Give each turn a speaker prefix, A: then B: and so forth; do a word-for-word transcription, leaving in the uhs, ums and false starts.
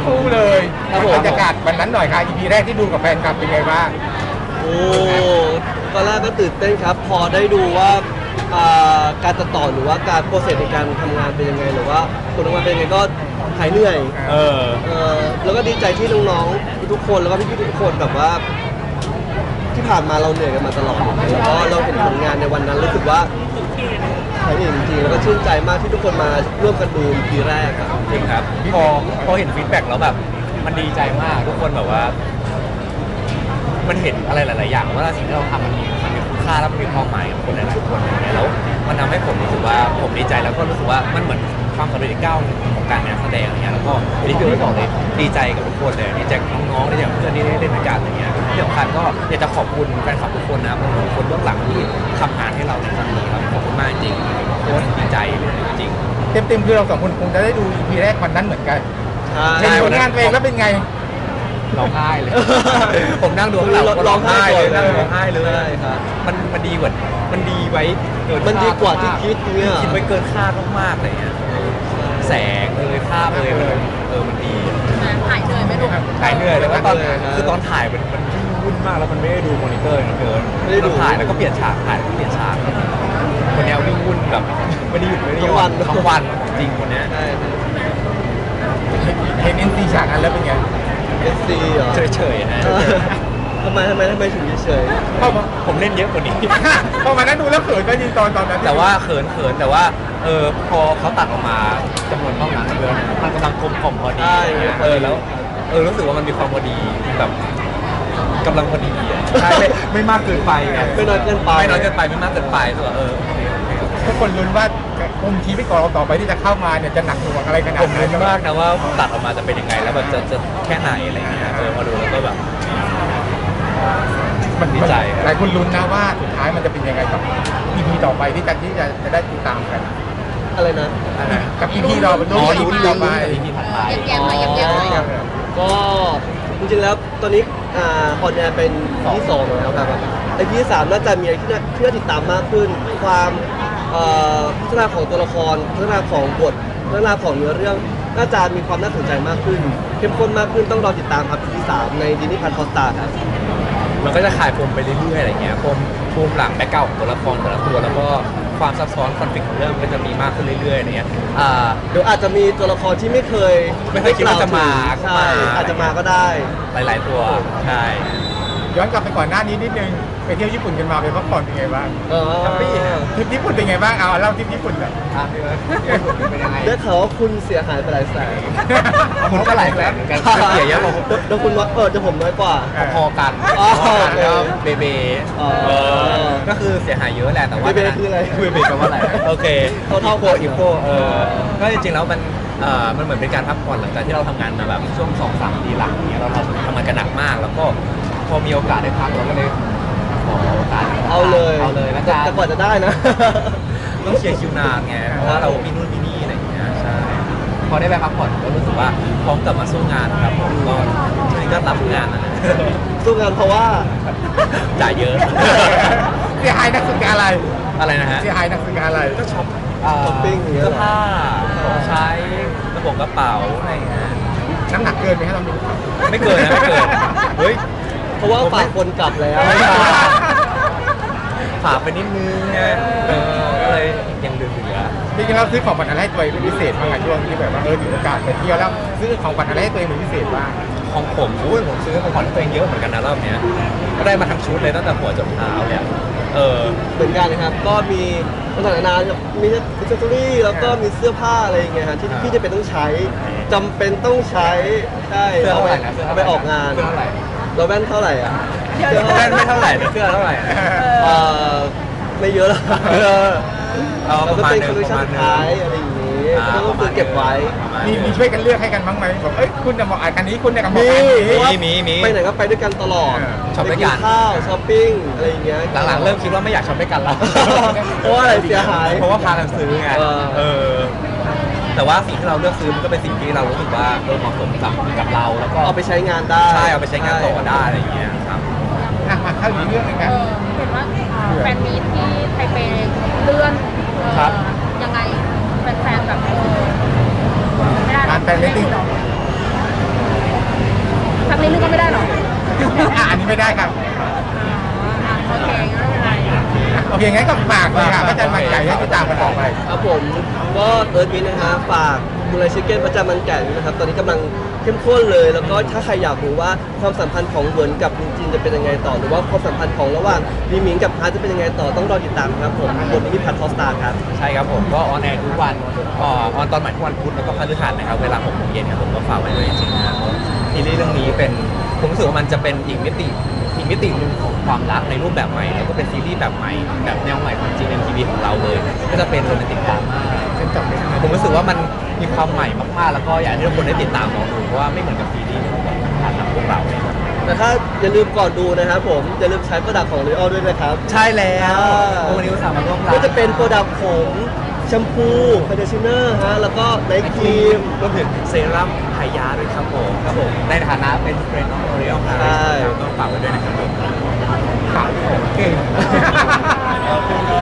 A: คู่เลยบรรยากาศวันนั้นหน่อยค่ะ อี พี แรกที่ดูกับแฟนคลับเป็นไงบ้าง
B: โอ้ตอนแรกก็ตื่นเต้นครับพอได้ดูว่าการตัดต่อหรือว่าการโปรเซสในการทำงานเป็นยังไงหรือว่าผลออกมาเป็นยังไงก็หายเหนื่อยเออเออแล้วก็ดีใจที่น้องๆทุกคนแล้วก็พี่ๆทุกคนแบบว่าที่ผ่านมาเราเหนื่อยกันมาตลอดแล้วก็เราเห็นผลงานในวันนั้นรู้สึกว่าหายเหนื่อยจริงๆแล้วก็ชื่นใจมากที่ทุกคนมาร่วมกันดู อี พี แรกครับ
C: จริงครับพอพอเห็นฟีดแบ็กแล้วแบบมันดีใจมากทุกคนแบบว่ามันเห็นอะไรหลายๆอย่างว่าสิ่งที่เราทำมันมีมันมีคุณค่าและมันมีความหมายกับคนหลายๆคนอย่างเงี้ยแล้วมันทำให้ผมรู้สึกว่าผมดีใจแล้วก็รู้สึกว่ามันเหมือนความสำเร็จอีกก้าวหนึ่งของการเป็นนักแสดงอย่างเงี้ยแล้วก็ที่พี่บอกเลยดีใจกับทุกคนเลยดีใจกับน้องๆดีใจกับเพื่อนที่ได้เล่นด้วยกันอย่างเงี้ยที่สำคัญก็อยากจะขอบคุณแฟนคลับทุกคนนะครับทุกคนเบื้องหลังที่ทำงานให้เราในครั้งนี้ครับขอบคุณมากจริงโคตรดีใจเลยจริง
A: เต็มๆคือเราสองคนคงจะได้ดู อี พี แรกวันนั้นเหมือนกันเห็นผลงานเพลงแล้วเป็นไง
C: ร้องไห้เลยผมนั่งดูข้างหลังก็ร้องไห้เลยนั่งร้องไห้เลยครับมันมันดีกว่ามันดีไว้เกิน
B: มันดีกว่าที่คิดเนี่ย
C: คิดไว้เกินคาดมากๆเลยเนี่ยแสงเลยภาพเลยมันเออมันดี
D: ถ่ายเหนื่อยไหมลูก
C: ถ่ายเหนื่อยแล้วก็ตอนคือตอนถ่ายมันมันวุ่นมากแล้วมันไม่ได้ดูมอนิเตอร์เกินไม่ได้ดูถ่ายแล้วก็เปลี่ยนฉากถ่ายแล้วก็เปลี่ยนฉากวันนี้วิ่งวุ่นแบบไม่ได้หยุดไม่ได้หยุดทั้งวันจริงวันนี้
A: เห็นเอ็นซีฉากนั้นแล้วเป็นไง
B: เอสซีเหรอ
C: เฉยๆนะ
B: ทำไมทำไมทำไมถึงเฉย
C: เพราะผมเล่นเยอะกว่านี้
A: พอมานั้นดูแล้วเขินก็จริงตอนตอนนั้น
C: แต่ว่าเขินเขินแต่ว่าเออพอเขาตัดออกมาจำนวนเท่านั้นเยอะมันกำลังกลมกล่อมพอดีเออแล้วเออรู้สึกว่ามันมีความพอดีแบบกำลังพอดีใช่ไม่มากเกินไปไง
B: ไม่น้อยเกินไป
C: ไม่น้อยเกินไปไม่มากเกินไปตัวเออ
A: ทุกคนลุ้นว่าผมทีไปก่อนเราต่อไปที่จะเข้ามาเนี่ยจะหนักหน่วงอะไรขนาด
C: ผมลุ้นมากนะว่าตัดออกมาจะเป็นยังไงแล้วแบบจะจะแค่ไหนอะไรเงี้ยเออมาดูแล้วก็แบบ
A: มันดีใจหลายคนลุ้นนะว่าสุดท้ายมันจะเป็นยังไงกับ อี พี ต่อไปที่จะที่จะจะได้ติดตามกัน
B: อะไรนะ
A: กับ อี พี เราเป็นตัว อี พี ต่อไป
C: อี พี ถัดไป
D: แย้มๆหน่อยแย้มๆหน่อย
B: ก็จริงๆแล้วตอนนี้อ่าฮอนแอร์เป็นที่สองแล้วครับไอพีที่สามน่าจะมีอะไรที่น่าที่น่าติดตามมากขึ้นความพัฒนาของตัวละครพัฒนาของบทพัฒนาของเนื้อเรื่องน่าจะมีความน่าสนใจมากขึ้นเข้มข้นมากขึ้นต้องรอติดตามครับ อี พี สามในดิสนีย์พลัส ฮอตสตาร์ครับ
C: มันก็จะขายปมไปเรื่อยๆอะไรเงี้ยปมปมหลังแบ็คเก่าของตัวละครแต่ละตัวแล้วก็ความซับซ้อนคอนฟ lict ของเรื่องก็จะมีมากขึ้นเรื่อยๆอะไรเงี้ย
B: อ่าเดี๋ยวอาจจะมีตัวละครที่ไม่เคย
C: ไม่เคยคิดว่าจะมา
B: ใช่อาจจะมาก็ได้
C: หลายๆตัวใช่
A: ย้อนกลับไปก่อนหน้านี้นิดนึงไปเที่ยวญี่ปุ่นกันมาไปพักผ่อนเป็นไงบ้าง
B: แฮปปี้
A: ทริปญี่ปุ่นเป็นไงบ้างเอาเล่าทริปญี่ปุ่นก่อน
B: เป็นยังไงได้ข่าวว่าคุณเสียหายไปหลายแสน
C: คุณก็หลายแสนเหมือนกันเสียเยอะกว่า
B: เดี๋ยวคุณว่าเออจะผมน้อยกว่า
C: พอกันแล้วเบเบก็คือเสียหายเยอะแหละแต่ว่า
B: เบเบคืออะไร
C: เบเบแปลว่าอะไรโอเคเท่าเท่าโคอีโคเออก็จริงๆแล้วมันเอ่อมันเหมือนเป็นการพักผ่อนหลังจากที่เราทำงานมาแบบช่วงสองสามปีหลังเนี้ยเราทำงานกันหนักมากแล้วก็พอมีโอกาสได้พักเราก็เลยขอโอกาส
B: เอาเลย
C: เอาเลยนะจ๊ะ
B: แต่กว่าจะได้นะ
C: ต้องเชียร์คิวนานไงเพราะว่าเรามีนู่นมีนี่อะไรอย่างเงี้ยใช่พอได้ไปพักผ่อนก็รู้สึกว่าพร้อมกลับมาสู้งานครับผมก็ช่วงนี้ก็รับงานนะ
B: สู้งานเพราะว่า
C: จ่ายเยอะ
A: เสียหายนักศึกษาอะไร
C: อะไรนะฮะ
A: เสียหายนักศึกษาอะไร
C: ก็ช็อป
B: ช้อปปิ้ง
C: เสื้อผ้าของใช้กระเป๋ากระเป๋าอะไรอย่างเงี้ย
A: น้ำหนักเกินไหมครับเราดู
C: ไม่เกินนะไม่เกินเฮ้ย
B: เพราะว่าฝากคนกลับแล้ว
C: ฝากไปนิดนึงไงเออก็เลยยังเหลือ
A: จริงๆเราซื้อของขวัญอะไรให้ตัวเองเป็นพิเศษบ้างไงช่วงที่แบบว่าเออถึงโอกาสไปเที่ยวแล้วซื้อของขวัญอะไรให้ตัวเองเป็นพิเศษบ้าง
C: ของผมอุ้ยผมซื้อของขวัญตัวเองเยอะเหมือนกันนะรอบเนี้ยก็ได้มาทั้งชุดเลยตั้งแต่หัวจนเท้าเนี่ยเออ
B: เหมือนกันนะครับก็มีต่างๆนานามีอิสเซอรี่แล้วก็มีเสื้อผ้าอะไรอย่างเงี้ยฮะที่พี่จะเป็นต้องใช้จำเป็นต้องใช้ใช่
C: เอาไป
B: เอาไปออกงานเราแว่นเท่าไหร่อ่ะ
C: แว่นไม่เท่าไหร่เสื้อเท่าไหร่
B: เออไม่เยอะหรอก
C: เรา
B: ก็เป็นคอลเลคชั่นสุดท้ายอะไรอย่างนี้ก็ต้องซื้อเก็บไว้
A: มีมีช่วยกันเลือกให้กันบ้างไหมแบบเอ้ยคุณจะเหมาะอันนี้คุณจะเหมาะอัน
C: นี้มีมี
B: ไปไหนก็ไปด้วยกันตลอด
C: ช็อปด้วยกัน
B: ข้าวช้อปปิ้งอะไรอย่างเงี้ย
C: หลังๆเริ่มคิดว่าไม่อยากช็อปด้วยกันแล้ว
B: เพราะว่าอะไรเสียหาย
C: เพราะว่าพากันซื้อไงเออแต่ว่าสิ่งที่เราเลือกซื้อมันก็เป็นสิ่งที่เรารู้สึกว่าเออเหมาะสมกับกับเราแล้วก็
B: เอาไปใช้งานได้
C: ใช่เอาไปใช้งานต่อได้อะไรอย่างเงี้ยครับ
A: มาเข้าอีกเรื่องนึงกัน
D: เห็นว่าแฟนมีตที่ไทเปเลื่อนยังไงแฟนๆแบบไม่ได้
A: การแฟนมีตติ้งอ่ะอันนี้ไม่ได้ครับ
D: โอเคไม่เป็นไร
A: โอเคงั้นก็ฝากเลยค่ะพระจันทร์มันใหญ่ให้ติดตามกันต่อไป
B: ครับผมก็เอิร์ธมินนะฮะฝากมูลชิเก้นประจำมันแก่นะครับตอนนี้กำลังเข้มข้นเลย แล้วก็ถ้าใครอยากรู้ว่าความสัมพันธ์ของเหวินกับลินจินจะเป็นยังไงต่อหรือว่าความสัมพันธ์ของระหว่างลีหมิงกับฮาร์ทจะเป็นยังไงต่อต้องรอติดตามครับผมบนที่พัททอสตาร์ครับ
C: ใช่ครับผมก็ออนแอร์ทุกวันเอ่อออนตอนใหม่ทุกวันพุธแล้วก็พฤหัสนะครับเวลาหกโมงเย็นครับผมก็ฝากไว้ด้วยจริงๆนะครับซีรีส์เรื่องนี้เป็นผมรู้สึกว่ามันจะเป็นอีกมิติอีกมิติหนึ่งของความรักในรูปแบบใหม่แล้วก็เป็นซีรีส์แบบใหม่แบบแนวใหม่ของ จี เอ็ม ที วี ของเราเลยก็จะเป็นโรแมนติกดราม่า
A: ฉันจำไม่ได้
C: ผมรู้สึกว่ามันมีความใหม่มากๆ แล้วก็อยากให้ทุกคนได้ติดตามลองดูเพราะว่าไม่เหมือนกับซีรีส์ที่ผ่านทางพวกเราเลยครับ
B: แต่ถ้าอย่าลืมก่อนดูนะครับผมอย่าลืมใช้โปรดักต์ของ L'Oreal ด้วยนะครับ
C: ใช่แล้ว
B: อ่า
C: วันนี้อุตส่าห์มาร่วม
B: ก็จะเป็นโปรดักต์ผมแชมพูคอนดิชเนอร์ฮะแล้วก็ไนท์ครีม
C: รวมถึงเซรั่มไฮยาด้วยครับผมครับผมในฐานะเป็นเฟรนด์ของโอริออลครับ
B: ใช่
C: ต้องฝากไว้ด้วยนะครับ